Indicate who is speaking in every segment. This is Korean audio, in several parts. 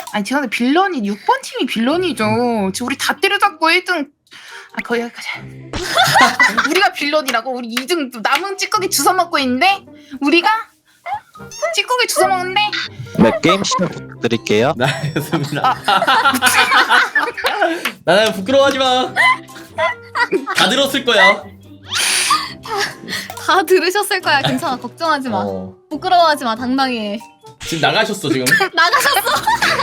Speaker 1: 아니 죄송한데 빌런이 6번 팀이 빌런이죠. 지금 우리 다 때려잡고 1등. 아 거기 여기까지. 우리가 빌런이라고? 우리 2등 남은 찌꺼기 주워 먹고 있는데 우리가 찌꺼기 주워 먹는데.
Speaker 2: 네, 게임 시작 부탁드릴게요.
Speaker 3: 나였습니다. 나는 부끄러워하지 마. 다 들었을 거야.
Speaker 4: 다 들으셨을 거야. 괜찮아. 걱정하지 마. 부끄러워하지 마. 당당해.
Speaker 3: 지금 나가셨어 지금.
Speaker 4: 나가셨어.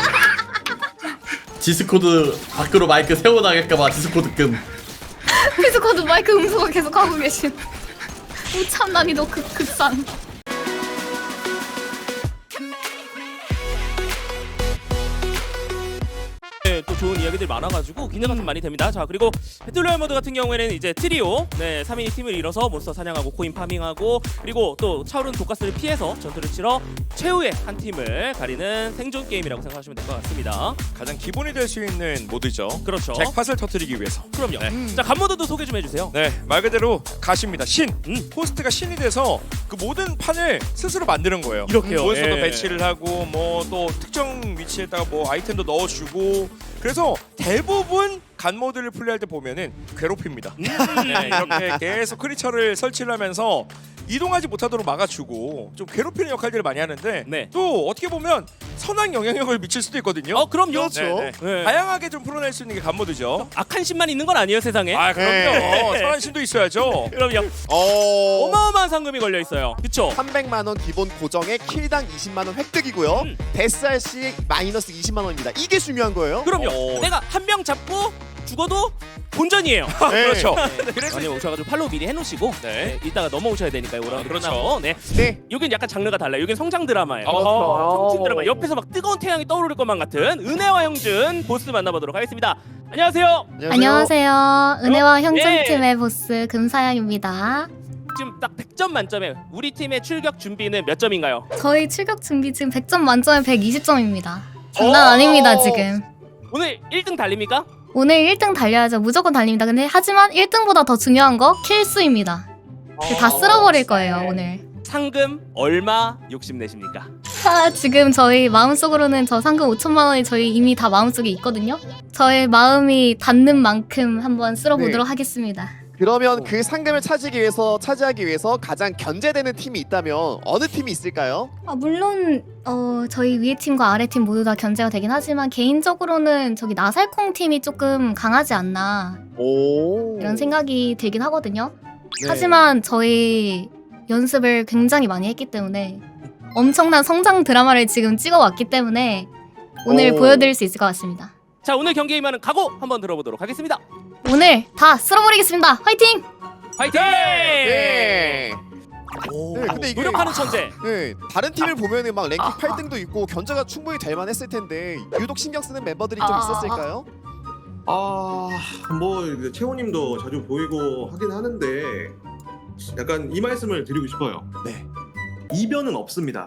Speaker 3: 디스코드 밖으로 마이크 세워나갈까봐 디스코드 끔.
Speaker 4: 디스코드 마이크 음소거 계속 하고 계신. 우참 난이도 극상.
Speaker 5: 네, 또 좋은 이야기들 많아가지고 기대가 좀 많이 됩니다. 자, 그리고 배틀로얄 모드 같은 경우에는 이제 트리오 3인이 팀을 이뤄서 몬스터 사냥하고 코인 파밍하고 그리고 또 차오르는 독가스를 피해서 전투를 치러 최후의 한 팀을 가리는 생존 게임이라고 생각하시면 될 것 같습니다.
Speaker 6: 가장 기본이 될 수 있는 모드죠.
Speaker 5: 그렇죠.
Speaker 6: 잭팟을 터뜨리기 위해서.
Speaker 5: 그럼요. 자, 간 모드도 소개 좀 해주세요.
Speaker 6: 네, 말 그대로 가십니다. 신. 호스트가 신이 돼서 그 모든 판을 스스로 만드는 거예요.
Speaker 5: 이렇게요.
Speaker 6: 몬스터도
Speaker 5: 예.
Speaker 6: 배치를 하고 뭐 또 특정 위치에다가 뭐 아이템도 넣어주고 그래서 대부분 간 모드를 플레이할 때 보면은 괴롭힙니다. 네, 이렇게 계속 크리처를 설치를 하면서 이동하지 못하도록 막아주고 좀 괴롭히는 역할들을 많이 하는데
Speaker 5: 네.
Speaker 6: 또 어떻게 보면 선한 영향력을 미칠 수도 있거든요.
Speaker 5: 그럼요.
Speaker 6: 그렇죠.
Speaker 5: 네.
Speaker 6: 다양하게 좀 풀어낼 수 있는 게 간 모드죠.
Speaker 5: 악한 신만 있는 건 아니에요, 세상에.
Speaker 6: 아 그럼요.
Speaker 5: 네.
Speaker 6: 선한 신도 있어야죠.
Speaker 5: 그럼요. 어마어마한 상금이 걸려 있어요. 그쵸?
Speaker 7: 300만원 기본 고정에 킬당 20만원 획득이고요. 데스할 시 마이너스 20만원입니다. 이게 중요한 거예요.
Speaker 5: 그럼요. 내가 한 명 잡고 죽어도 본전이에요.
Speaker 6: 그렇죠.
Speaker 5: 그래서 많이 오셔가지고 팔로우 미리 해놓으시고
Speaker 6: 네.
Speaker 5: 이따가 넘어오셔야 되니까요. 오라운드
Speaker 6: 그렇죠.
Speaker 5: 끝나고. 네.
Speaker 7: 네.
Speaker 5: 여긴 약간 장르가 달라요. 여긴 성장 드라마예요.
Speaker 6: 어허.
Speaker 5: 성장 드라마. 옆에서 막 뜨거운 태양이 떠오를 것만 같은 은혜와 형준 보스 만나보도록 하겠습니다. 안녕하세요.
Speaker 4: 안녕하세요. 은혜와
Speaker 5: 예.
Speaker 4: 형준팀의 보스 금사양입니다.
Speaker 5: 지금 딱 100점 만점에 우리 팀의 출격 준비는 몇 점인가요?
Speaker 4: 저희 출격 준비 지금 100점 만점에 120점입니다. 장난 아닙니다 지금.
Speaker 5: 오늘 1등 달립니까?
Speaker 4: 오늘 1등 달려야죠. 무조건 달립니다. 근데 하지만 1등보다 더 중요한 거 킬수입니다. 다 쓸어버릴 거예요 오늘.
Speaker 5: 상금 얼마 욕심내십니까?
Speaker 4: 지금 저희 마음속으로는 저 상금 5천만 원이 저희 이미 다 마음속에 있거든요. 저의 마음이 닿는 만큼 한번 쓸어보도록 하겠습니다.
Speaker 7: 그러면 그 상금을 차지하기 위해서 가장 견제되는 팀이 있다면 어느 팀이 있을까요?
Speaker 4: 물론 저희 위에 팀과 아래 팀 모두 다 견제가 되긴 하지만 개인적으로는 저기 나살콩 팀이 조금 강하지 않나
Speaker 7: 오.
Speaker 4: 이런 생각이 들긴 하거든요.
Speaker 7: 네.
Speaker 4: 하지만 저희 연습을 굉장히 많이 했기 때문에 엄청난 성장 드라마를 지금 찍어왔기 때문에 오늘
Speaker 7: 오.
Speaker 4: 보여드릴 수 있을 것 같습니다.
Speaker 5: 자, 오늘 경기에 임하는 각오 한번 들어보도록 하겠습니다.
Speaker 4: 오늘 다 쓸어버리겠습니다. 화이팅!
Speaker 5: 화이팅!
Speaker 7: 네.
Speaker 5: 오,
Speaker 7: 네, 근데 이게-
Speaker 5: 노력하는 천재.
Speaker 7: 네, 다른 팀을 보면은 막 랭킹 8등도 있고 견제가 충분히 될 만했을 텐데 유독 신경 쓰는 멤버들이 좀 있었을까요?
Speaker 8: 뭐 채호님도 자주 보이고 하긴 하는데 약간 이 말씀을 드리고 싶어요. 네, 이변은 없습니다.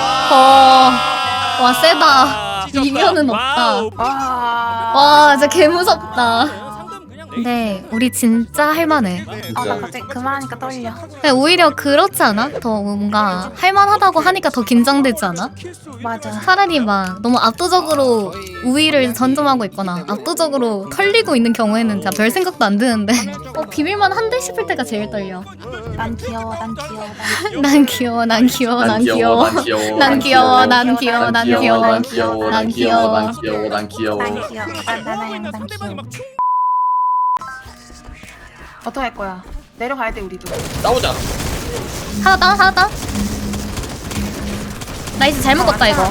Speaker 4: 와 세다.
Speaker 5: 찢었다.
Speaker 4: 이변은 없다.
Speaker 5: 와우.
Speaker 4: 와 진짜 개무섭다.
Speaker 5: 상금 그냥
Speaker 4: 근데 우리 진짜 할만해.
Speaker 1: 나 갑자기 그만하니까 떨려.
Speaker 4: 오히려 그렇지 않아? 더 뭔가 할만하다고 하니까 더 긴장되지 않아?
Speaker 1: 맞아.
Speaker 4: 차라리 막 너무 압도적으로 우위를 전점하고 있거나 압도적으로 털리고 있는 경우에는 진짜 별 생각도 안 드는데 비빌만 한데 싶을 때가 제일 떨려.
Speaker 1: 난 귀여워. 난 귀여워.
Speaker 4: 난 귀여워, 난 귀여워, 난 귀여워. 난 귀여워, 난 귀여워, 난 귀여워.
Speaker 3: 난 귀여워.
Speaker 4: 난 귀여워.
Speaker 3: 난 귀여워. 난 귀여워.
Speaker 1: 난 귀여워. 나나양 난
Speaker 5: 상대방이
Speaker 1: 귀여워.
Speaker 5: 막
Speaker 1: 어떡할 거야? 내려가야 돼 우리도.
Speaker 3: 싸우자.
Speaker 4: 하나 다운. 나이스 잘 먹었다 이거.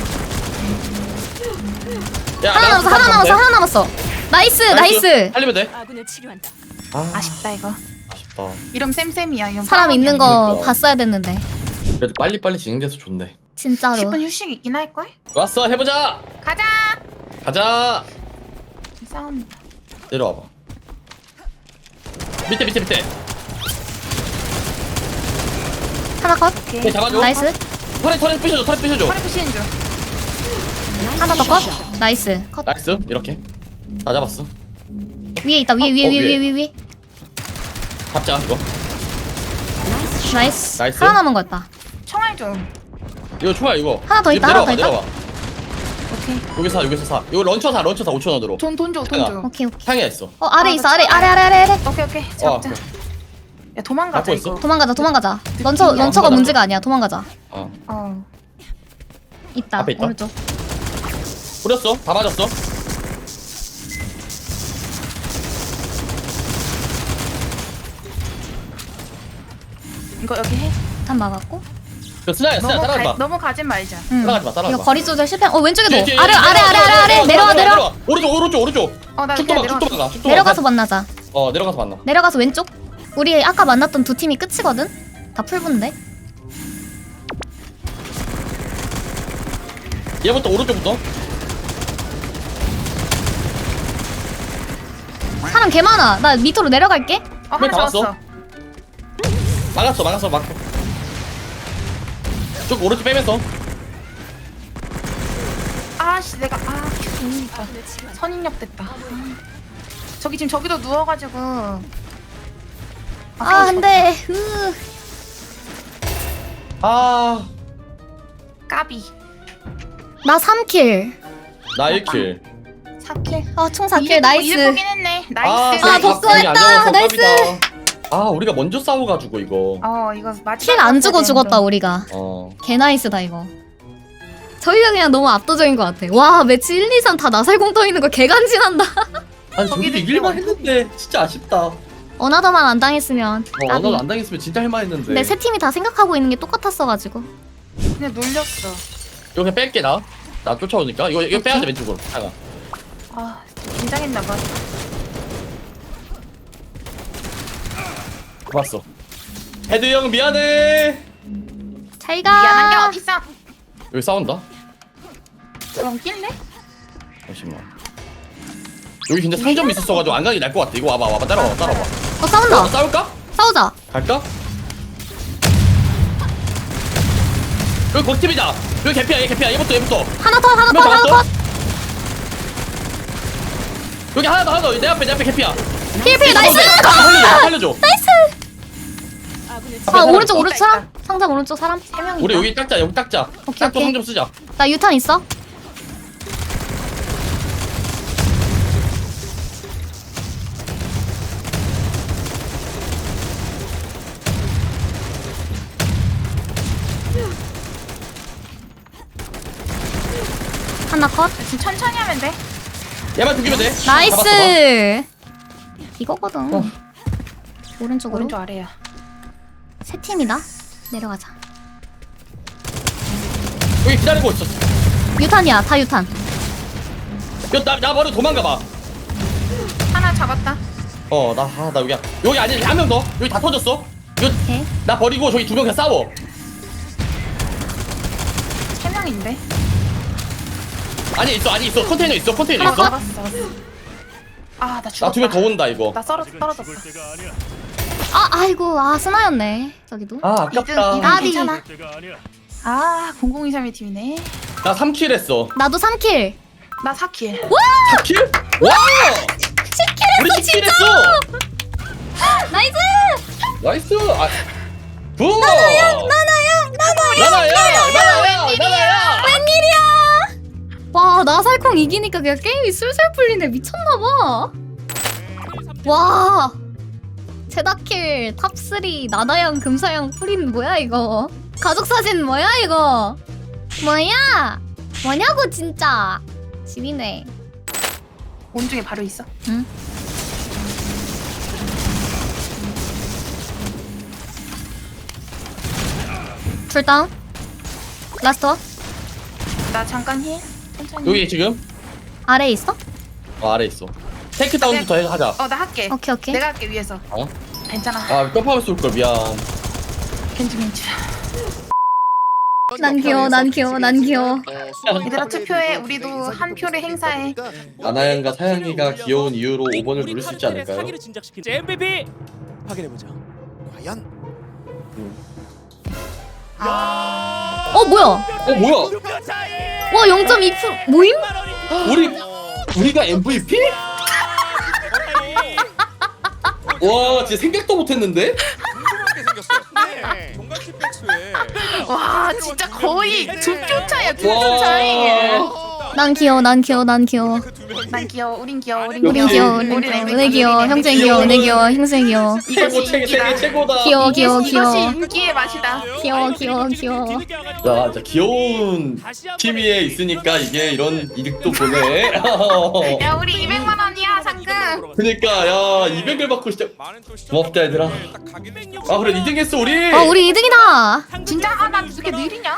Speaker 3: 야,
Speaker 4: 하나 남았어. 나이스.
Speaker 3: 살리면 돼.
Speaker 1: 아쉽다 이거.
Speaker 3: 아쉽다.
Speaker 1: 이러면 쌤쌤이야. 이러면
Speaker 4: 사람 있는 거
Speaker 3: 그러니까.
Speaker 4: 봤어야 됐는데.
Speaker 3: 그래도 빨리 진행돼서 좋네.
Speaker 4: 진짜로.
Speaker 1: 10분 휴식 있긴 할걸?
Speaker 3: 왔어, 해보자. 가자.
Speaker 1: 싸웁니다.
Speaker 3: 내려와봐. 밑에.
Speaker 4: 하나 컷.
Speaker 3: 네, 잡아줘.
Speaker 4: 나이스.
Speaker 3: 털에 부셔줘.
Speaker 1: 허리 푸시는 중.
Speaker 4: 하나 더 컷. 나이스. 컷.
Speaker 3: 나이스. 이렇게. 다 잡았어.
Speaker 4: 위에 있다. 위에.
Speaker 3: 잡자 이거.
Speaker 4: 나이스.
Speaker 3: 나이스.
Speaker 4: 하나 남은 거였다.
Speaker 1: 총알 좀.
Speaker 3: 이거 좋아 이거.
Speaker 4: 하나 더 있다,
Speaker 3: 내려와,
Speaker 4: 하나 더 있다.
Speaker 3: 내려와.
Speaker 1: 오케이.
Speaker 3: 여기서 사. 이거 런처 사 5,000원으로.
Speaker 1: 돈 줘.
Speaker 4: 오케이 오케이.
Speaker 3: 상해 있어.
Speaker 4: 아래
Speaker 1: 아,
Speaker 4: 있어
Speaker 1: 나
Speaker 4: 아래
Speaker 1: 차-
Speaker 4: 아래.
Speaker 1: 오케이. 잡자. 야 도망가자
Speaker 3: 갖고 있어?
Speaker 1: 이거.
Speaker 4: 도망가자. 런처가
Speaker 3: 도망가자.
Speaker 4: 문제가 아니야. 도망가자.
Speaker 1: 어.
Speaker 4: 있다.
Speaker 3: 앞에 있다?
Speaker 4: 오른쪽.
Speaker 3: 뿌렸어. 다 맞았어.
Speaker 1: 이거 여기 해.
Speaker 4: 단 막았고.
Speaker 3: 그 스나야 따라가지 마.
Speaker 1: 너무 가진 말자.
Speaker 4: 응.
Speaker 3: 따라가지 마.
Speaker 4: 이거 거리 조절 실패. 왼쪽에도.
Speaker 3: 뒤에,
Speaker 4: 아래. 내려와.
Speaker 3: 오른쪽.
Speaker 1: 나
Speaker 3: 쭉
Speaker 1: 그냥
Speaker 3: 도망가.
Speaker 1: 내려가.
Speaker 4: 내려가서 만나자.
Speaker 3: 내려가서 만나.
Speaker 4: 내려가서 왼쪽. 우리 아까 만났던 두 팀이 끝이거든. 다 풀분데.
Speaker 3: 얘부터 오른쪽부터.
Speaker 4: 사람 개 많아. 나 밑으로 내려갈게.
Speaker 1: 하나
Speaker 3: 다 왔어?
Speaker 1: 잡았어.
Speaker 3: 막았어. 쭉 오른쪽 빼면서.
Speaker 1: 아씨 내가 선인력 됐다. 저기 지금 저기도 누워가지고.
Speaker 4: 안돼.
Speaker 1: 까비.
Speaker 4: 나 3킬.
Speaker 3: 나 1킬.
Speaker 1: 4킬.
Speaker 4: 총 4킬. 나이스.
Speaker 1: 이득 보긴 했네. 나이스.
Speaker 4: 복수했다. 나이스.
Speaker 3: 우리가 먼저 싸워가지고 이거.
Speaker 1: 이거 마지막.
Speaker 4: 킬 안 주고 죽었다 우리가. 개 나이스다 이거. 저희가 그냥 너무 압도적인 것 같아. 와 매치 1, 2, 3 다 나살공 떠 있는 거 개간지난다.
Speaker 3: 아니 저기도 이길만 했는데 진짜 아쉽다.
Speaker 4: 어나더만 안 당했으면.
Speaker 3: 나도 안 당했으면 진짜 할만했는데.
Speaker 4: 근데 세 팀이 다 생각하고 있는 게 똑같았어가지고.
Speaker 1: 그냥 놀렸어.
Speaker 3: 이거 그냥 뺄게 나 쫓아오니까 이거 빼야 돼 왼쪽으로.
Speaker 1: 긴장했나봐.
Speaker 3: 고맙어. 헤드 형 미안해.
Speaker 4: 잘 가.
Speaker 1: 미안한 게 어딨어?
Speaker 3: 여기 싸운다.
Speaker 1: 그럼 낄래?
Speaker 3: 잠시만. 여기 근데 상점이 있었어가지고 안 가는 게 나을 것 같아. 이거 와봐 따라와.
Speaker 4: 싸운다.
Speaker 3: 싸울까?
Speaker 4: 싸우자.
Speaker 3: 갈까? 여기 거팀이다. 여기 개피야 얘부터.
Speaker 4: 하나 더.
Speaker 3: 여기 하나 더. 내 앞에 개피야.
Speaker 4: 필 나이스.
Speaker 3: 살려줘.
Speaker 4: 오른쪽 사람. 상점 오른쪽 사람 3명.
Speaker 3: 우리 여기 닦자.
Speaker 4: 오케이.
Speaker 3: 닦고 상점 쓰자.
Speaker 4: 나 유탄 있어. 하나 컷.
Speaker 1: 지금 천천히 하면 돼.
Speaker 3: 얘만 죽이면 돼. 잡았어.
Speaker 4: 나이스. 이거거든. 오른쪽으로.
Speaker 1: 오른쪽 아래야.
Speaker 4: 세 팀이다. 내려가자.
Speaker 3: 여기 기다리고 있었어.
Speaker 4: 유탄이야. 다 유탄.
Speaker 3: 나 바로 도망가봐.
Speaker 1: 하나 잡았다.
Speaker 3: 나 여기야. 여기 아니 한 명 더. 여기 다 터졌어.
Speaker 4: 오케이.
Speaker 3: 나 버리고 저기 2명 그냥 싸워.
Speaker 1: 3명인데.
Speaker 3: 아니 있어. 컨테이너 있어.
Speaker 1: 하나
Speaker 3: 있어.
Speaker 1: 잡았어. 나 죽었다.
Speaker 3: 나 2명 더 온다 이거.
Speaker 1: 나 떨어졌어.
Speaker 4: 아이고. 스나였네. 저기도.
Speaker 3: 아깝다.
Speaker 1: 이등 괜찮아. 0023의 팀이네.
Speaker 3: 나 3킬 했어.
Speaker 4: 나도 3킬.
Speaker 1: 나 4킬.
Speaker 3: 4킬? 와! 10킬 우리 10킬 했어.
Speaker 4: 나이스.
Speaker 3: 나이스. 부. 나나야.
Speaker 4: 웬일이야? 와, 나살콩 이기니까 그냥 게임이 술술 풀리네. 미쳤나봐. 와. 제다킬 탑3 나나양 금사양 풀인 뭐야 이거? 가족사진 뭐야 이거? 뭐냐고 진짜. 지리네.
Speaker 1: 온중에 바로 있어.
Speaker 4: 응. 둘 다운. 라스트 원.
Speaker 1: 나 잠깐 힐. 천천히.
Speaker 3: 여기 지금
Speaker 4: 아래에 있어?
Speaker 3: 아래 있어. 테이크 다운부터 하자.
Speaker 1: 나 할게.
Speaker 4: 오케이.
Speaker 1: 내가 할게 위에서. 괜찮아.
Speaker 3: 점프하면 쏠 걸. 미안.
Speaker 1: 괜찮.
Speaker 4: 난 귀여워.
Speaker 1: 얘들아 투표해. 우리도 한 표를 행사해.
Speaker 3: 나나양과 사양이가 귀여운 이유로 5번을 누를 수 있지 않을까요?
Speaker 5: 사기를 진작시킨 MVP 확인해 보자.
Speaker 7: 과연
Speaker 4: 뭐야?
Speaker 3: 뭐야?
Speaker 4: 와 0.2% 모임?
Speaker 3: 우리가 MVP? 와 진짜 생각도 못했는데?
Speaker 6: 궁금하게 생겼어. 동갑 백수에
Speaker 1: 와 진짜 거의 2표 차야. 2표 차이.
Speaker 4: 난 귀여워, 난 귀여워, 난 귀여워.
Speaker 6: 그두 명이
Speaker 1: 난 귀여워. 우린 귀여워. 우린
Speaker 4: 우린 귀여워,
Speaker 1: 우린
Speaker 4: 우린 귀여워, 형제 귀여워, 내 귀여워, 형제 귀여워.
Speaker 3: 최고 세계 최고다.
Speaker 4: 귀여워, 귀여워,
Speaker 1: 이것이
Speaker 4: 귀여워.
Speaker 1: 인기의 맛이다.
Speaker 4: 귀여워, 귀여워, 귀여워.
Speaker 3: 야, 진짜 귀여운 팀 위에 있으니까 이게 이런 이득도 보네.
Speaker 1: 야 우리 200만 원이야 상금.
Speaker 3: 그니까 야 200을 받고 진짜
Speaker 6: 많은 또
Speaker 3: 고맙다, 얘들아.
Speaker 6: 딱 가게 되면
Speaker 3: 아 그래 2등했어 우리.
Speaker 4: 우리 2등이다.
Speaker 1: 진짜? 아난 이렇게 느리냐?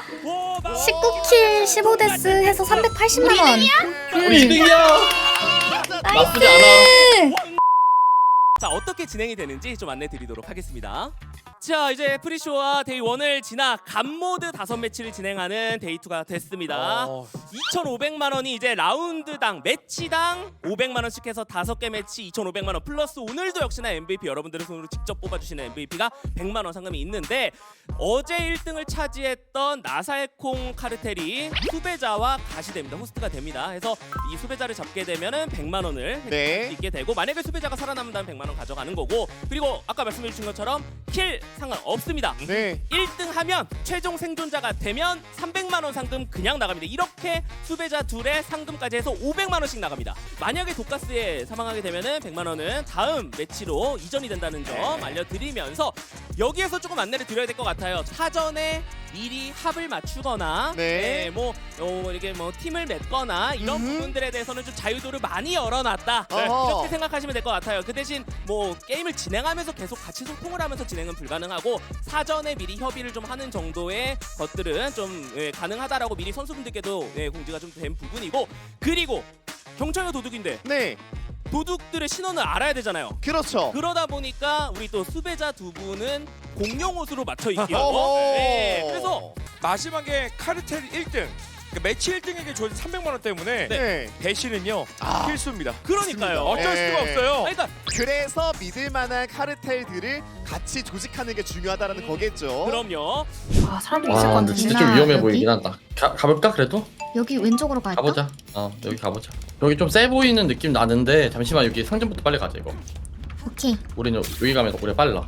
Speaker 4: 19킬 15데스 해서 380만 원.
Speaker 3: 우리 2등이야. 나쁘지 않아.
Speaker 5: 자, 어떻게 진행이 되는지 좀 안내 드리도록 하겠습니다. 자, 이제 프리쇼와 데이 1을 지나 간모드 5매치를 진행하는 데이 2가 됐습니다. 2,500만 원이 이제 라운드당 매치당 500만 원씩 해서 5개 매치 2,500만 원 플러스 오늘도 역시나 MVP 여러분들의 손으로 직접 뽑아주시는 MVP가 100만 원 상금이 있는데 어제 1등을 차지했던 나살콩 카르텔이 수배자와 가시됩니다. 호스트가 됩니다. 해서 이 수배자를 잡게 되면은 100만 원을
Speaker 7: 네.
Speaker 5: 있게 되고 만약에 수배자가 살아남는다면 100만 원 가져가는 거고 그리고 아까 말씀해 주신 것처럼 킬 상관없습니다.
Speaker 7: 네.
Speaker 5: 1등 하면 최종 생존자가 되면 300만 원 상금 그냥 나갑니다. 이렇게 수배자 둘의 상금까지 해서 500만 원씩 나갑니다. 만약에 독가스에 사망하게 되면은 100만 원은 다음 매치로 이전이 된다는 점 알려드리면서 여기에서 조금 안내를 드려야 될 것 같아요. 사전에 미리 합을 맞추거나
Speaker 7: 네.
Speaker 5: 이렇게 뭐 팀을 맺거나 이런 부분들에 대해서는 좀 자유도를 많이 열어놨다.
Speaker 7: 어허.
Speaker 5: 이렇게 생각하시면 될 것 같아요. 그 대신 뭐 게임을 진행하면서 계속 같이 소통을 하면서 진행은 불가능하고 사전에 미리 협의를 좀 하는 정도의 것들은 좀 가능하다라고 미리 선수분들께도 공지가 좀 된 부분이고 그리고 경찰과 도둑인데
Speaker 7: 네.
Speaker 5: 도둑들의 신원을 알아야 되잖아요.
Speaker 7: 그렇죠.
Speaker 5: 그러다 보니까 우리 또 수배자 두 분은 공룡 옷으로 맞춰 입기로.
Speaker 7: 어허.
Speaker 5: 네, 그래서
Speaker 6: 마지막에 카르텔 1등 그 매치 1등에게 주어진 300만 원 때문에
Speaker 7: 네.
Speaker 6: 배신은요 필수입니다.
Speaker 5: 그러니까요.
Speaker 6: 어쩔
Speaker 7: 네.
Speaker 6: 수가 없어요.
Speaker 5: 그러니까
Speaker 7: 그래서 믿을 만한 카르텔들을 같이 조직하는 게 중요하다라는 거겠죠.
Speaker 5: 그럼요.
Speaker 1: 아 사람들 있을 것
Speaker 3: 와 근데
Speaker 1: 같은데.
Speaker 3: 진짜 좀 위험해
Speaker 4: 여기?
Speaker 3: 보이긴 한다. 가볼까 그래도?
Speaker 4: 여기 왼쪽으로 갈까?
Speaker 3: 가보자. 여기 가보자. 여기 좀 세 보이는 느낌 나는데 잠시만 여기 상점부터 빨리 가자 이거.
Speaker 4: 오케이.
Speaker 3: 우리는 여기 가면 우리 빨라.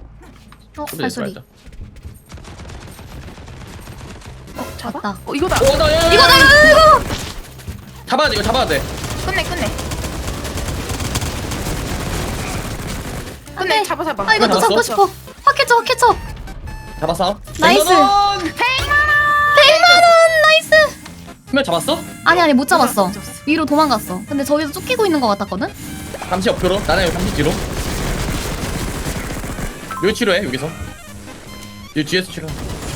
Speaker 4: 발소리.
Speaker 1: 잡아?
Speaker 4: 맞다.
Speaker 1: 이거다.
Speaker 3: 이거다.
Speaker 4: 이거다.
Speaker 3: 잡아야 돼 이거 잡아야 돼.
Speaker 1: 끝내.
Speaker 4: 안 돼.
Speaker 1: 잡아.
Speaker 4: 아 이것도
Speaker 3: 잡았어?
Speaker 4: 잡고 싶어. 확 캐쳐.
Speaker 3: 잡았어.
Speaker 4: 나이스.
Speaker 3: 100만 원!
Speaker 4: 100만 원 나이스.
Speaker 3: 한명 잡았어?
Speaker 4: 아니 못 잡았어.
Speaker 1: 못 잡았어.
Speaker 4: 위로 도망갔어. 근데 저기서 쫓기고 있는 것 같았거든.
Speaker 3: 잠시 옆으로. 나는 여기 잠시 뒤로. 여기 치료해 여기서. 여기 뒤에서 치료.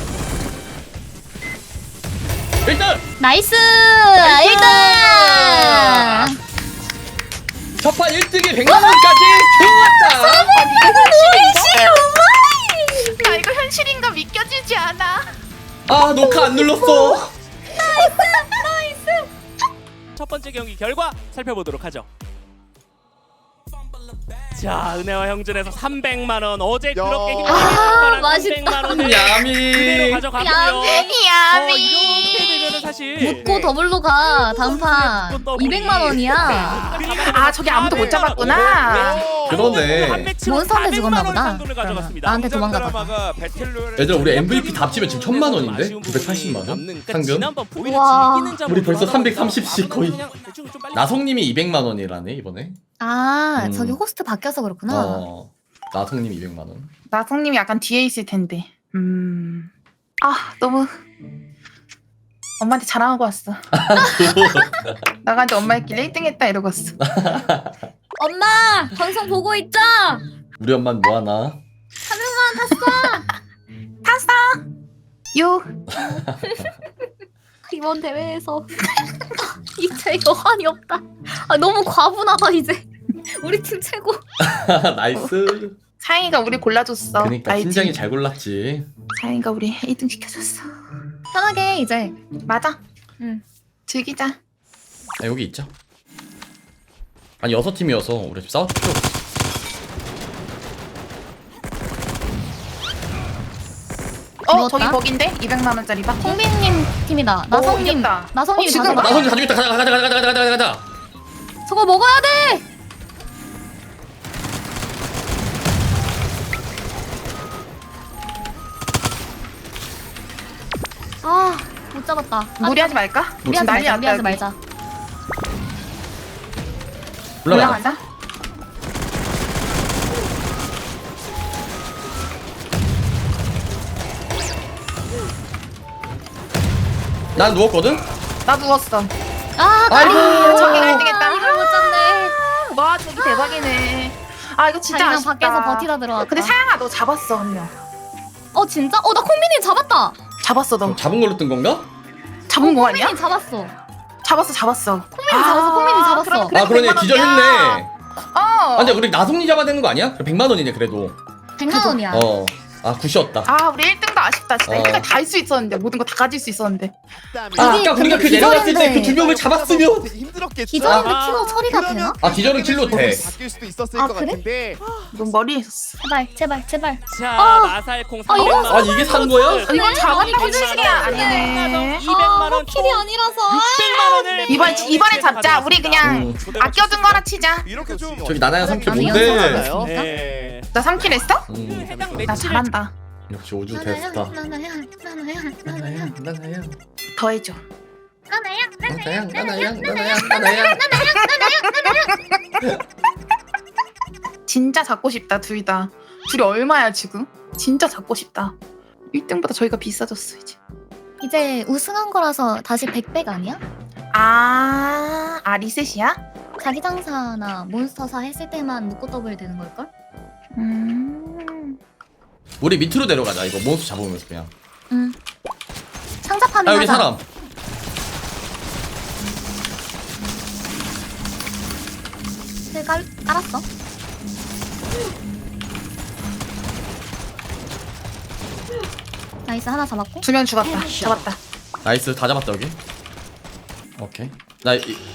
Speaker 3: 1등!
Speaker 4: 나이스. 1등.
Speaker 3: 첫판 1등에 100만 원까지 좋았다.
Speaker 1: 나 이거 현실인가 믿겨지지 않아.
Speaker 3: 아 녹화 안 눌렀어.
Speaker 5: 첫 번째 경기 결과 살펴보도록 하죠. 자, 은혜와 형준에서 300만 원 어제 그렇게 힘들게
Speaker 4: 아,
Speaker 5: 했던
Speaker 4: 맛있다.
Speaker 5: 300만 원을
Speaker 3: 야미.
Speaker 5: 그대로 가져가고요.
Speaker 1: 야미.
Speaker 5: 이렇게 되면은 사실
Speaker 4: 묻고 더블로 가. 단판 200만 원이야.
Speaker 1: 아 저기 아무도 못 잡았구나.
Speaker 3: 그러네.
Speaker 4: 몬스터한테 죽었나 보다.
Speaker 5: 상금을 가져갔습니다.
Speaker 4: 나한테 도망가봐.
Speaker 6: 드라마가 배틀로얄
Speaker 3: 얘들아 우리 MVP 다 합치면 지금 1000만 원인데? 980만 원?
Speaker 5: 그러니까
Speaker 3: 상금?
Speaker 5: 지난번 포기를
Speaker 4: 우와.
Speaker 5: 즐기는 자로
Speaker 3: 우리 벌써
Speaker 5: 돌아가고
Speaker 3: 330씩 거의.
Speaker 5: 그냥 대충 좀 빨리
Speaker 3: 나성님이 200만 원이라네 이번에.
Speaker 4: 아
Speaker 3: 음.
Speaker 4: 저기 호스트 바뀌어서 그렇구나.
Speaker 3: 나성님이 200만 원.
Speaker 1: 나성님이 약간 뒤에 있을 텐데. 아 너무 엄마한테 자랑하고 왔어. 나가는데 엄마끼리 1등했다 이러고 왔어.
Speaker 4: 엄마 방송 보고 있죠?
Speaker 3: 우리 엄마는 뭐 하나?
Speaker 1: 탔어. 요.
Speaker 4: 이번 대회에서 이제 여한이 없다. 아 너무 과분하다 이제. 우리 팀 최고.
Speaker 3: 나이스.
Speaker 1: 사영이가 우리 골라줬어.
Speaker 3: 그러니까
Speaker 1: 알지?
Speaker 3: 팀장이 잘 골랐지.
Speaker 1: 사영이가 우리 1등 시켜줬어.
Speaker 4: 편하게 이제.
Speaker 1: 맞아.
Speaker 4: 응.
Speaker 1: 즐기자.
Speaker 3: 아, 여기 있자. 아니 6팀이어서 우리 집 싸울 필요 없어.
Speaker 1: 저기
Speaker 4: 누웠다?
Speaker 1: 거긴데 200만 원짜리 박.
Speaker 4: 홍빈님 팀이다. 나성님.
Speaker 1: 이겼다.
Speaker 4: 나성님
Speaker 1: 지금
Speaker 4: 가져가.
Speaker 3: 나성님 가지고 있다. 가자.
Speaker 4: 저거 먹어야 돼. 아 못 잡았다.
Speaker 1: 무리하지 말까? 지금
Speaker 4: 무리하지
Speaker 1: 난리
Speaker 4: 말자.
Speaker 1: 났다.
Speaker 4: 무리하지
Speaker 1: 여기.
Speaker 4: 말자.
Speaker 3: 올라가자.
Speaker 1: 올라가자.
Speaker 3: 난 누웠거든?
Speaker 1: 나 누웠어.
Speaker 4: 아,
Speaker 3: 아이고.
Speaker 1: 저기 1등했다.
Speaker 4: 이걸 못 잡네.
Speaker 1: 와 저기 대박이네. 아 이거 진짜
Speaker 4: 자기랑
Speaker 1: 아쉽다.
Speaker 4: 밖에서 버티다 들어왔다.
Speaker 1: 근데 사양아 너 잡았어 한 명.
Speaker 4: 어 진짜? 어 나 콩민이 잡았다.
Speaker 1: 잡았어 너.
Speaker 3: 잡은 걸로 뜬 건가?
Speaker 1: 잡은 거 아니야?
Speaker 4: 콩민이 잡았어.
Speaker 1: 잡았어.
Speaker 4: 콩민이 잡았어. 콩민이 잡았어.
Speaker 1: 그래,
Speaker 3: 아 그러네
Speaker 1: 100만
Speaker 3: 기절했네.
Speaker 1: 원이야.
Speaker 3: 아
Speaker 1: 어.
Speaker 3: 근데 우리 나성리 잡아야 되는 거 아니야? 100만 원이네 그래도.
Speaker 4: 100만 원이야.
Speaker 3: 어. 아 굿이었다.
Speaker 1: 아 우리 1등도 아쉽다 진짜.
Speaker 3: 어.
Speaker 1: 1등까지 다 할 수 있었는데 모든 거 다 가질 수 있었는데.
Speaker 3: 아
Speaker 4: 이게
Speaker 3: 아까 우리가 그
Speaker 4: 근데
Speaker 3: 내려갔을 때 그
Speaker 4: 기절인데.
Speaker 3: 두 명을 잡았으면.
Speaker 7: 힘들었겠죠.
Speaker 4: 기절인데
Speaker 5: 아.
Speaker 4: 킬로 처리가 되나?
Speaker 7: 그러면
Speaker 3: 아 기절은 킬로 돼.
Speaker 7: 바뀔 수도 있었을
Speaker 4: 아,
Speaker 7: 것
Speaker 4: 그래?
Speaker 7: 같은데.
Speaker 1: 넌 머리에 있었어.
Speaker 4: 제발.
Speaker 5: 자,
Speaker 4: 어.
Speaker 5: 마살콩
Speaker 4: 어, 이런
Speaker 5: 300만 원.
Speaker 3: 아니 이게 산 거야?
Speaker 1: 이건 잡았다고
Speaker 5: 아니,
Speaker 1: 치는 게 아니네.
Speaker 5: 200만 원.
Speaker 4: 킬이 아니라서.
Speaker 5: 600만 원을
Speaker 1: 이번에 잡자. 우리 그냥
Speaker 3: 음.
Speaker 1: 아껴둔 거나 치자.
Speaker 6: 이렇게 좀
Speaker 3: 저기 나나야 3킬
Speaker 4: 아니,
Speaker 3: 뭔데?
Speaker 4: 연습하잖아요.
Speaker 5: 네.
Speaker 1: 나 3킬 했어?
Speaker 5: 해당
Speaker 1: 나
Speaker 5: 매치를
Speaker 1: 잘한다.
Speaker 3: 역시 오주 대스타.
Speaker 4: 나나야.
Speaker 3: 나나야.
Speaker 1: 더 해줘.
Speaker 3: 나나야.
Speaker 1: 진짜 잡고 싶다 둘 다. 둘이 얼마야 지금? 진짜 잡고 싶다. 1등보다 저희가 비싸졌어 이제.
Speaker 4: 이제 우승한 거라서 다시 100백 아니야?
Speaker 1: 아 리셋이야?
Speaker 4: 자기 장사나 몬스터사 했을 때만 묶고 더블 되는 걸걸?
Speaker 3: 우리 밑으로 내려가자 이거 몬스터 잡으면서 그냥.
Speaker 4: 응. 상자파밍
Speaker 3: 아 여기
Speaker 4: 하자.
Speaker 3: 사람.
Speaker 4: 깔았어. 나이스 하나 잡았고.
Speaker 1: 2명 죽었다. 잡았다.
Speaker 3: 나이스 다 잡았다 여기. 오케이. 나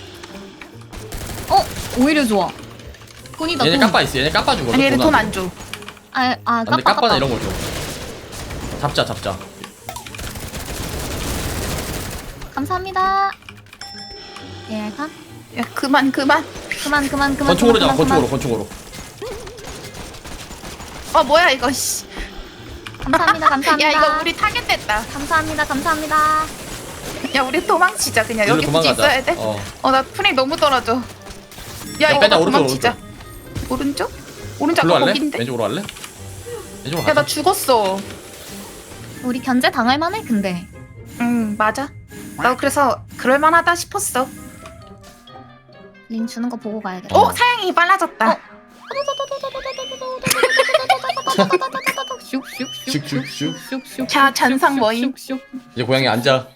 Speaker 4: 오히려 좋아. 돈이다
Speaker 3: 얘네
Speaker 4: 돈.
Speaker 3: 까빠 있어. 얘네 까빠 주거든.
Speaker 1: 아니 얘들 돈 안 줘.
Speaker 3: 근데 까빠나 이런 거 줘. 잡자.
Speaker 4: 감사합니다. 예, 감.
Speaker 1: 야 그만.
Speaker 4: 그만.
Speaker 3: 권총으로 잡아.
Speaker 4: 그만.
Speaker 3: 권총으로.
Speaker 1: 어 뭐야 이거 씨.
Speaker 4: 감사합니다.
Speaker 1: 야 이거 우리 타겟됐다.
Speaker 4: 감사합니다.
Speaker 1: 야 우리 도망치자 그냥.
Speaker 3: 일로
Speaker 1: 여기 굳이
Speaker 3: 도망가자.
Speaker 1: 있어야 돼?
Speaker 3: 어.
Speaker 1: 나 프레임 너무 떨어져. 야 이거
Speaker 3: 빼자,
Speaker 1: 나
Speaker 3: 오른쪽,
Speaker 1: 도망치자. 오른쪽? 오른쪽
Speaker 3: 글로
Speaker 1: 아까
Speaker 3: 할래?
Speaker 1: 거긴데?
Speaker 3: 왼쪽으로 할래? 왼쪽으로
Speaker 1: 야
Speaker 3: 가자.
Speaker 1: 나 죽었어.
Speaker 4: 우리 견제 당할 만해 근데.
Speaker 1: 맞아. 나 그래서 그럴만하다 싶었어.
Speaker 4: 링 주는 거 보고 가야겠다.
Speaker 1: 사양이 빨라졌다.
Speaker 3: 슉슉슉.
Speaker 1: 자 잔상 모임.
Speaker 3: 이제 고양이 앉아.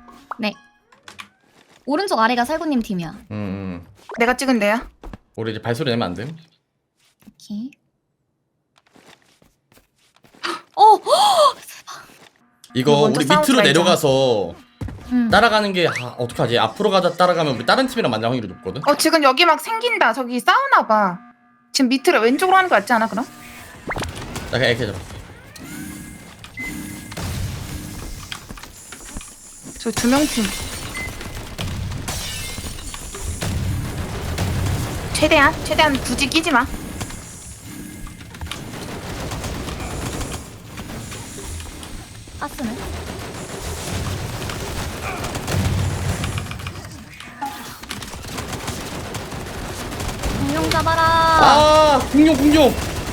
Speaker 4: 오른쪽 아래가 살구님 팀이야.
Speaker 1: 내가 찍은 데야.
Speaker 3: 우리 이제 발소리 내면 안 돼.
Speaker 4: 오케이.
Speaker 3: 이거
Speaker 1: 이거 먼저
Speaker 3: 우리
Speaker 1: 싸우지
Speaker 3: 밑으로
Speaker 1: 말자.
Speaker 3: 내려가서
Speaker 4: 응.
Speaker 3: 따라가는 게 어떡하지? 앞으로 가다 따라가면 우리 다른 팀이랑 만날 확률이 높거든.
Speaker 1: 지금 여기 막 생긴다. 저기 싸우나 봐. 지금 밑으로 왼쪽으로 하는 거 같지 않아 그럼?
Speaker 3: 나 그냥 이렇게 잡아.
Speaker 1: 저 2명 팀. 최대한 굳이 끼지 마.
Speaker 4: 가스네. 공룡 잡아라.
Speaker 3: 공룡.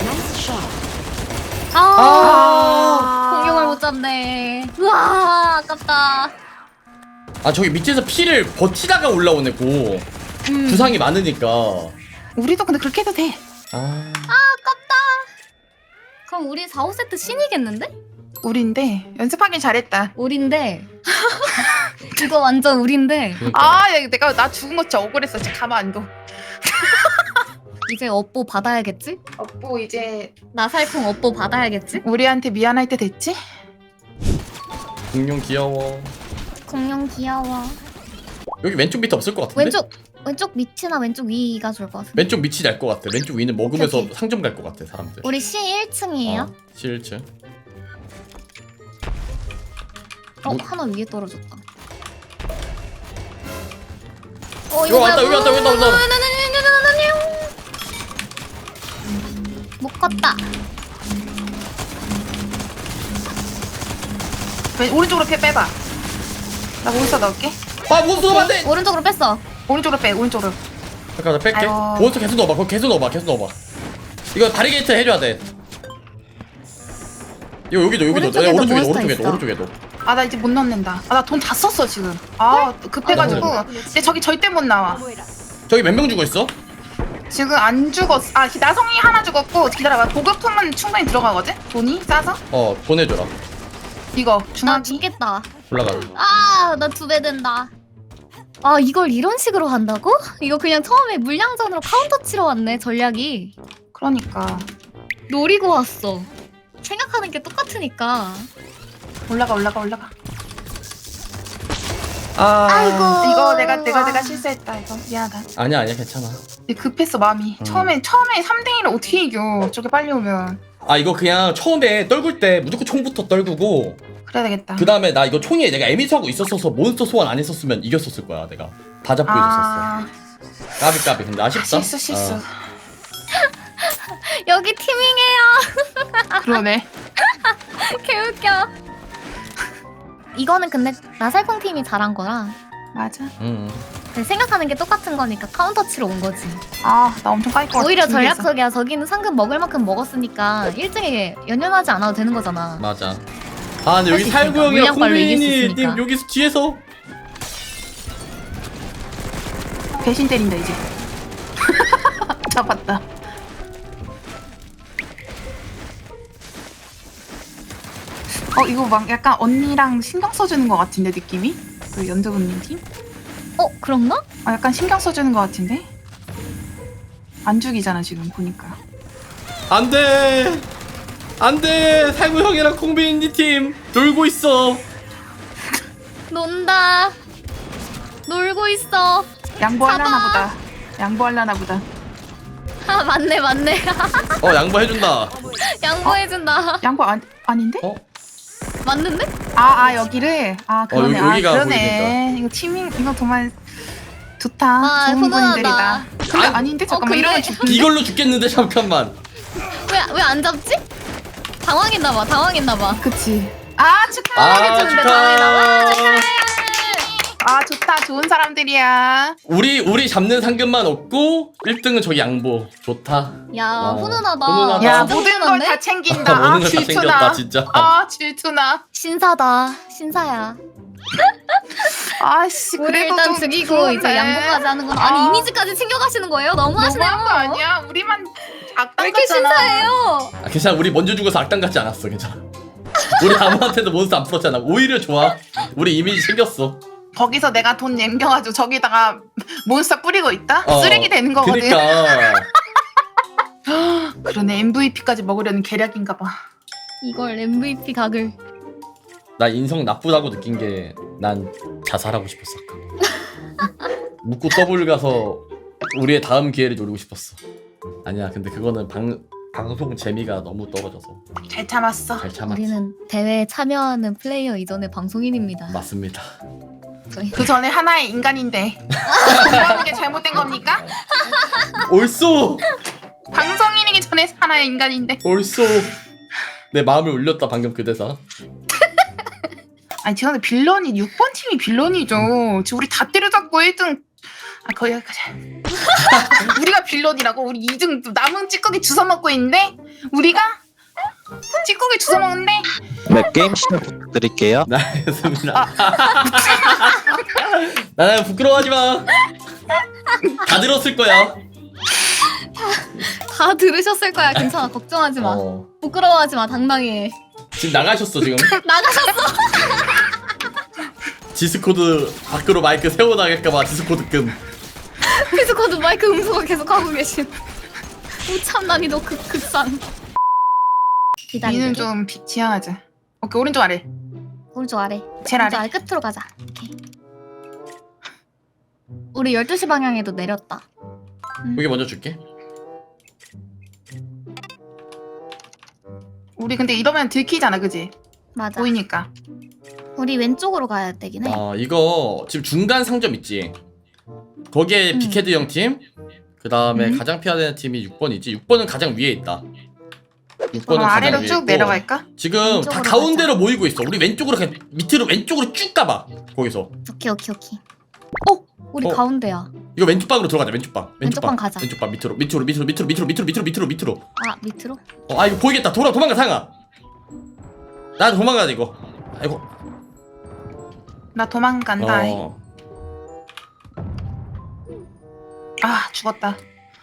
Speaker 4: 공룡을 못 잡네. 우와, 아깝다.
Speaker 3: 저기 밑에서 피를 버티다가 올라오네 고. 부상이 많으니까.
Speaker 1: 우리도 근데 그렇게 해도 돼.
Speaker 4: 아깝다. 그럼 우리 4, 5세트 신이겠는데?
Speaker 1: 우리인데 연습하긴 잘했다.
Speaker 4: 우린데. 이거 완전 우린데.
Speaker 3: 그러니까.
Speaker 1: 야, 나 죽은 거 진짜 억울했어. 진짜 가만 안 둬.
Speaker 4: 이제 업보 받아야겠지?
Speaker 1: 뭐 이제
Speaker 4: 나살콩 업보 받아야겠지?
Speaker 1: 우리한테 미안할 때 됐지?
Speaker 3: 공룡 귀여워.
Speaker 4: 공룡 귀여워.
Speaker 3: 여기 왼쪽 밑에 없을 것 같은데?
Speaker 4: 왼쪽 밑이나 왼쪽 위가 좋을 것 같은데.
Speaker 3: 왼쪽 밑이 날 것 같아. 왼쪽 위는 먹으면서
Speaker 4: 오케이.
Speaker 3: 상점 갈 것 같아 사람들.
Speaker 4: 우리 C 1층이에요?
Speaker 3: 실층.
Speaker 4: 하나 위에 떨어졌다.
Speaker 3: 여기 왔다.
Speaker 4: 못 껐다.
Speaker 1: 오른쪽으로 빼봐. 나 몬스터 넣을게.
Speaker 3: 아 몬스터 안돼.
Speaker 4: 오른쪽으로 뺐어.
Speaker 1: 오른쪽으로 빼. 오른쪽으로.
Speaker 3: 잠깐 나 뺄게.
Speaker 1: 아이고.
Speaker 3: 몬스터 계속 넣어봐. 그거 계속 넣어봐. 계속 넣어봐. 이거 바리게이트 해줘야 돼. 이거 여기도
Speaker 4: 오른쪽에도 몬스터
Speaker 3: 오른쪽에도
Speaker 4: 있어.
Speaker 3: 오른쪽에도.
Speaker 1: 아 나 이제 못 넣는다. 아 나 돈 다 썼어 지금. 아 급해가지고. 근데 저기 절대 못 나와.
Speaker 3: 저기 몇 명 죽어 있어?
Speaker 1: 지금 안 죽었어. 아 나성이 하나 죽었고 기다려봐. 보급품은 충분히 들어가거든. 돈이 싸서.
Speaker 3: 보내줘라.
Speaker 1: 이거
Speaker 4: 나
Speaker 1: 중앙이.
Speaker 4: 죽겠다.
Speaker 3: 올라가.
Speaker 4: 아, 나 2배 된다. 아, 이걸 이런 식으로 간다고? 이거 그냥 처음에 물량전으로 카운터 치러 왔네, 전략이.
Speaker 1: 그러니까
Speaker 4: 노리고 왔어. 생각하는 게 똑같으니까.
Speaker 1: 올라가.
Speaker 4: 아이고.
Speaker 1: 이거 내가 실수했다. 이거 미안하다.
Speaker 3: 아니야 괜찮아.
Speaker 1: 근데 급했어 마음이. 처음에 3대1을 어떻게 이겨? 저게 빨리 오면.
Speaker 3: 아 이거 그냥 처음에 떨굴 때 무조건 총부터 떨구고
Speaker 1: 그래야 되겠다.
Speaker 3: 그 다음에 나 이거 총에 내가 에미트하고 있었어서 몬스터 소환 안 했었으면 이겼었을 거야 내가. 다 잡고 있었어. 까비 근데 아쉽다.
Speaker 1: 실수.
Speaker 4: 여기 티밍해요.
Speaker 1: 그러네.
Speaker 4: 개웃겨. 이거는 근데 나살콩 팀이 잘한 거라
Speaker 1: 맞아.
Speaker 4: 생각하는 게 똑같은 거니까 카운터 치러 온 거지.
Speaker 1: 아 나 엄청 까일 것 같아.
Speaker 4: 오히려
Speaker 1: 준비했어.
Speaker 4: 전략적이야. 저기는 상금 먹을 만큼 먹었으니까 1등에 연연하지 않아도 되는 거잖아.
Speaker 3: 맞아. 아 근데 여기
Speaker 4: 할수
Speaker 3: 살구
Speaker 4: 있으니까.
Speaker 3: 형이랑
Speaker 4: 물량빨로 이길 수
Speaker 3: 콩민이님
Speaker 4: 있으니까.
Speaker 3: 여기서 뒤에서
Speaker 1: 배신 때린다 이제. 잡았다. 이거 막 약간 언니랑 신경 써주는 것 같은데 느낌이? 그 연두분님 팀?
Speaker 4: 그런가?
Speaker 1: 약간 신경 써주는 것 같은데? 안 죽이잖아 지금 보니까.
Speaker 3: 안돼 살구 형이랑 콩민이 팀 놀고 있어.
Speaker 4: 논다. 놀고 있어.
Speaker 1: 양보하려나 보다. 양보하려나 보다.
Speaker 4: 아, 맞네.
Speaker 3: 양보해준다.
Speaker 4: 양보해준다.
Speaker 1: 양보 아닌데?
Speaker 4: 맞는데?
Speaker 1: 여기를? 그러네.
Speaker 3: 여기가
Speaker 1: 그러네. 이거 팀ing 이거 정말 좋다.
Speaker 4: 아,
Speaker 1: 좋은
Speaker 4: 훈훈하다.
Speaker 1: 분들이다. 근데 아닌데? 잠깐만
Speaker 4: 근데-
Speaker 1: 이러면 죽는데?
Speaker 3: 이걸로 죽겠는데 잠깐만.
Speaker 4: 왜 안 잡지? 당황했나봐.
Speaker 1: 그치. 축하해.
Speaker 3: 아 축하.
Speaker 1: 좋다. 좋은 사람들이야.
Speaker 3: 우리 잡는 상금만 얻고 1등은 저기 양보. 좋다.
Speaker 4: 야, 훈훈하다.
Speaker 3: 훈훈하다.
Speaker 1: 야
Speaker 4: 진짜
Speaker 1: 모든 걸
Speaker 4: 훈훈한데?
Speaker 1: 다 챙긴다.
Speaker 3: 모든 걸다 챙겼다
Speaker 1: 질투나.
Speaker 3: 진짜.
Speaker 1: 질투나.
Speaker 4: 신사야.
Speaker 1: 아씨
Speaker 4: 우리
Speaker 1: 그래도
Speaker 4: 일단
Speaker 1: 좀
Speaker 4: 죽이고
Speaker 1: 좋은데.
Speaker 4: 이제 양보까지 하는 건 아니 이미지까지 챙겨가시는 거예요? 너무하시네요.
Speaker 1: 너무한 거 아니야? 우리만 악당
Speaker 4: 왜 이렇게
Speaker 1: 같잖아.
Speaker 4: 신사해요?
Speaker 3: 괜찮아. 우리 먼저 죽어서 악당 같지 않았어. 괜찮아. 우리 아무한테도 몬스터 안 풀었잖아. 오히려 좋아. 우리 이미지 챙겼어.
Speaker 1: 거기서 내가 돈 남겨가지고 저기다가 몬스터 뿌리고 있다? 쓰레기 되는 거거든.
Speaker 3: 그니까.
Speaker 1: 그러네. MVP까지 먹으려는 계략인가 봐.
Speaker 4: 이걸 MVP 각을.
Speaker 3: 나 인성 나쁘다고 느낀 게 난 자살하고 싶었어. 묻고 더블 가서 우리의 다음 기회를 노리고 싶었어. 아니야. 근데 그거는 방송 재미가 너무 떨어져서
Speaker 1: 잘 참았어.
Speaker 3: 잘 참았지.
Speaker 4: 우리는 대회에 참여하는 플레이어 이전의 방송인입니다.
Speaker 3: 맞습니다.
Speaker 4: 저희
Speaker 1: 그 전에 하나의 인간인데 그러는 게 잘못된 겁니까?
Speaker 3: 옳소.
Speaker 1: 방송인이기 전에 하나의 인간인데.
Speaker 3: 옳소. 내 마음을 울렸다 방금 그 대사.
Speaker 1: 아니 지금 빌런이 6번 팀이 빌런이죠. 지금 우리 다 때려잡고 1등. 거의 여기까지. 우리가 빌런이라고? 우리 2등 남은 찌꺼기 주워 먹고 있는데 우리가 찌꺼기 주워 먹는데.
Speaker 2: 네, 게임 시작 부탁드릴게요.
Speaker 3: 네, 알겠습니다. 나는 부끄러워하지 마. 다 들었을 거야.
Speaker 4: 다 들으셨을 거야. 괜찮아. 걱정하지 마. 부끄러워하지 마. 당당히 해.
Speaker 3: 지금 나가셨어 지금.
Speaker 4: 나가셨어.
Speaker 3: 디스코드 밖으로 마이크 세워나갈까봐 디스코드 끔.
Speaker 4: 디스코드 마이크 음소거 계속 하고 계신. 우참 난이도 극상.
Speaker 1: 니는 좀 지향하자. 오케이 오른쪽 아래.
Speaker 4: 오른쪽 아래.
Speaker 1: 제일
Speaker 4: 오른쪽
Speaker 1: 아래.
Speaker 4: 아래 끝으로 가자. 오케이. 우리 12시 방향에도 내렸다.
Speaker 3: 여기 먼저 줄게.
Speaker 1: 우리 근데 이러면 들키잖아, 그지?
Speaker 4: 맞아.
Speaker 1: 보이니까.
Speaker 4: 우리 왼쪽으로 가야 되긴 해.
Speaker 3: 이거 지금 중간 상점 있지. 거기에 빅헤드 형 팀. 그 다음에 가장 피해야 되는 팀이 6번이지. 6번은 가장 위에 있다. 6번은
Speaker 1: 아래로 쭉 내려갈까?
Speaker 3: 지금 다
Speaker 4: 왼쪽으로
Speaker 3: 가운데로 모이고 있어. 우리 왼쪽으로 그냥 밑으로 왼쪽으로 쭉 가봐. 거기서
Speaker 4: 오케이. 우리
Speaker 3: 어.
Speaker 4: 가운데야.
Speaker 3: 이거 왼쪽 방으로 들어가자. 왼쪽 방.
Speaker 4: 왼쪽 방 가자.
Speaker 3: 왼쪽 방 밑으로 밑으로.
Speaker 4: 아 밑으로?
Speaker 3: 아 이거 보이겠다. 도망가 상아. 나 도망가야 돼 이거. 아이고.
Speaker 1: 나 도망간다.
Speaker 3: 어.
Speaker 1: 아 죽었다.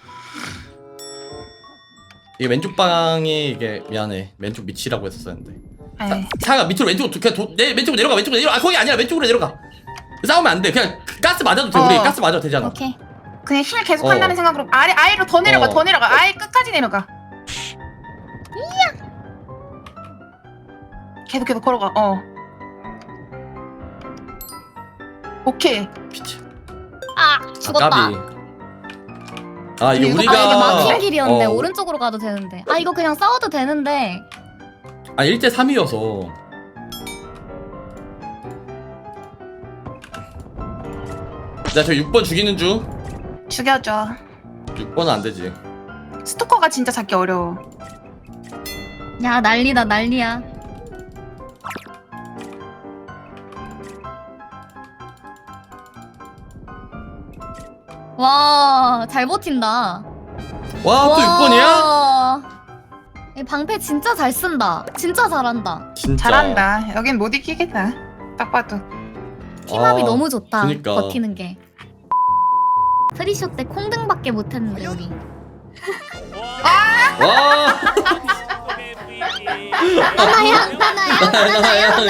Speaker 3: 이게 왼쪽 방이 이게 미안해. 왼쪽 밑이라고 했었는데.
Speaker 1: 에이.
Speaker 3: 상아 밑으로 왼쪽으로 그냥 내 왼쪽으로 내려가. 왼쪽으로 내려가. 아 거기 아니라 왼쪽으로 내려가. 싸우면 안 돼. 그냥 가스 맞아도 돼. 우리 가스 맞아도 되잖아.
Speaker 4: 오케이.
Speaker 1: 그냥 힘을 계속
Speaker 3: 어.
Speaker 1: 한다는 생각으로 아래로 더 내려가.
Speaker 3: 어.
Speaker 1: 더 내려가. 아예 끝까지 내려가. 계속 걸어가. 오케이.
Speaker 3: 피치.
Speaker 4: 아 죽었다.
Speaker 3: 까비. 아 이게
Speaker 1: 이거-
Speaker 3: 우리가
Speaker 4: 아 이게 막힌 길이었네.
Speaker 3: 어,
Speaker 4: 오른쪽으로 가도 되는데. 아 이거 그냥 싸워도 되는데.
Speaker 3: 아 1대 3이어서. 나 저 6번 죽이는 중.
Speaker 1: 죽여줘.
Speaker 3: 6번은 안 되지.
Speaker 1: 스토커가 진짜 잡기 어려워.
Speaker 4: 야 난리다 난리야. 와 잘 버틴다.
Speaker 3: 와 또 6번이야?
Speaker 4: 이 방패 진짜 잘 쓴다. 진짜 잘한다.
Speaker 3: 진짜.
Speaker 1: 잘한다. 여긴 못 이기겠다. 딱 봐도.
Speaker 4: 팀합이
Speaker 3: 아,
Speaker 4: 너무 좋다.
Speaker 3: 그니까.
Speaker 4: 버티는 게. 프리쇼 때 콩등밖에 못했는데 우리.
Speaker 3: 와.
Speaker 4: 나나양
Speaker 3: 나나양.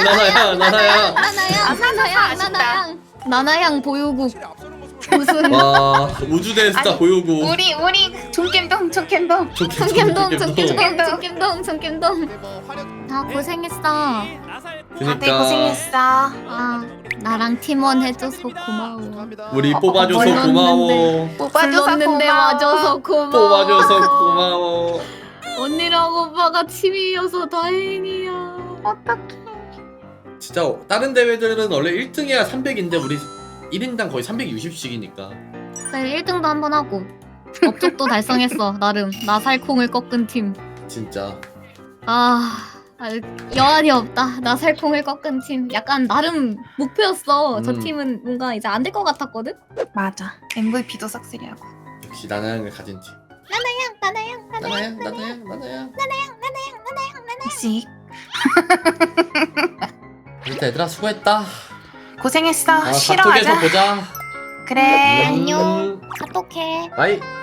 Speaker 4: 나나양 나나양 보유국 우승.
Speaker 3: 와 우주 대스타
Speaker 1: 아니,
Speaker 3: 보유고.
Speaker 1: 우리 총겜동.
Speaker 4: 청캠동 아 고생했어.
Speaker 3: 그니까
Speaker 1: 고생했어.
Speaker 4: 아 나랑 팀원 해줘서 고마워.
Speaker 3: 우리 뽑아줘서
Speaker 4: 몰랐는데.
Speaker 3: 고마워.
Speaker 1: 뽑아줘서
Speaker 4: 불렀는데
Speaker 1: 고마워.
Speaker 4: 와줘서 고마워.
Speaker 3: 뽑아줘서 고마워.
Speaker 4: 언니랑 오빠가 팀이어서 다행이야.
Speaker 1: 어떡해.
Speaker 3: 진짜 다른 대회들은 원래 1등이야 300인데 우리 1인당 거의 360씩이니까.
Speaker 4: 그래 1등도 한번 하고 업적도 달성했어. 나름 나살콩을 꺾은 팀.
Speaker 3: 진짜.
Speaker 4: 여한이 없다. 나살콩을 꺾은 팀. 약간 나름 목표였어. 저
Speaker 3: 음.
Speaker 4: 팀은 뭔가 이제 안 될 것 같았거든.
Speaker 1: 맞아. MVP도 싹쓸이하고.
Speaker 3: 역시 나나양을 가진 팀. 나나양.
Speaker 1: 씩.
Speaker 3: 일단 얘들아 수고했다.
Speaker 1: 고생했어.
Speaker 3: 아,
Speaker 1: 쉬러
Speaker 3: 카톡에서
Speaker 1: 가자.
Speaker 3: 보자.
Speaker 1: 그래.
Speaker 4: 안녕. 카톡해.
Speaker 3: 바이.